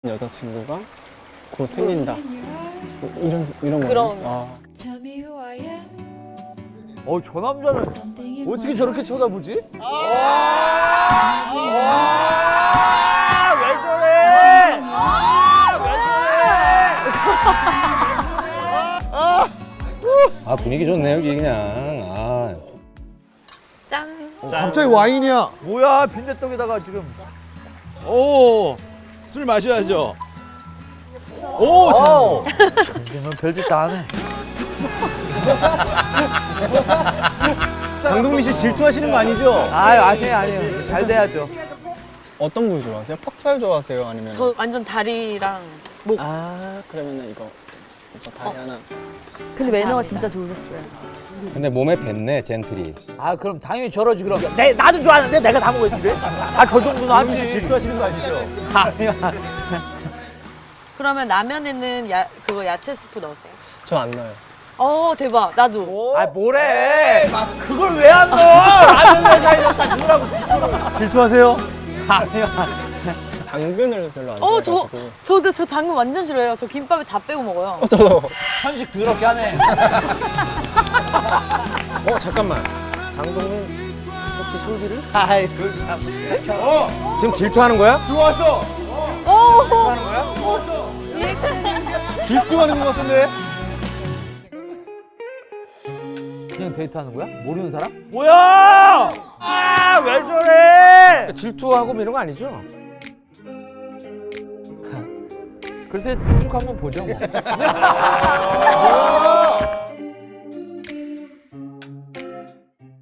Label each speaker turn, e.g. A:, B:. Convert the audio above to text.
A: 여자친구가 곧 생긴다. 이런 거.
B: 그런.
C: 저 남자는 어떻게 저렇게 쳐다보지? 왜 저래?
D: 아 분위기 좋네 여기 그냥.
B: 짠.
E: 갑자기 와인이야.
C: 뭐야 빈대떡에다가 지금.
F: 오, 술 마셔야죠. 오, 참.
C: 너 별짓 다 하네.
E: 장동민 씨 질투하시는 거 아니죠?
C: 아니에요. 잘 돼야죠.
A: 어떤 부위 좋아하세요? 퍽살 좋아하세요? 아니면?
B: 저 완전 다리랑 목.
A: 아, 그러면은 이거 다리 하나.
B: 근데 매너가 진짜 좋으셨어요.
D: 근데 몸에 뱉네 젠틀이.
C: 그럼 당연히 저러지 그럼. 나도 좋아하는데 내가 다 먹어야지 그래? 저 정도는
E: 장동민 씨
C: 하지.
E: 질투하시는 거 아니죠?
B: 그러면 라면에는 그거 야채 스프 넣으세요?
A: 저 안 넣어요.
B: 대박. 나도.
C: 뭐래? 그걸 왜 안 넣어? 라면 회사에서 다 넣으라고.
E: 질투하세요?
A: 당근을 별로 안
B: 저
A: 좋아해가지고.
B: 저 당근 완전 싫어해요. 저 김밥에 다 빼고 먹어요.
A: 저도.
C: 편식 더럽게 하네.
D: 잠깐만. 장동민 혹시 솔비를?
C: 아이 그 참.
D: 지금 질투하는 거야?
E: 좋았어. 질투하는 거 같은데?
C: 그냥 데이트하는 거야? 모르는 사람? 뭐야? 왜 저래?
D: 질투하고 뭐 이런 거 아니죠?
C: 글쎄 쭉 한번 보죠 뭐.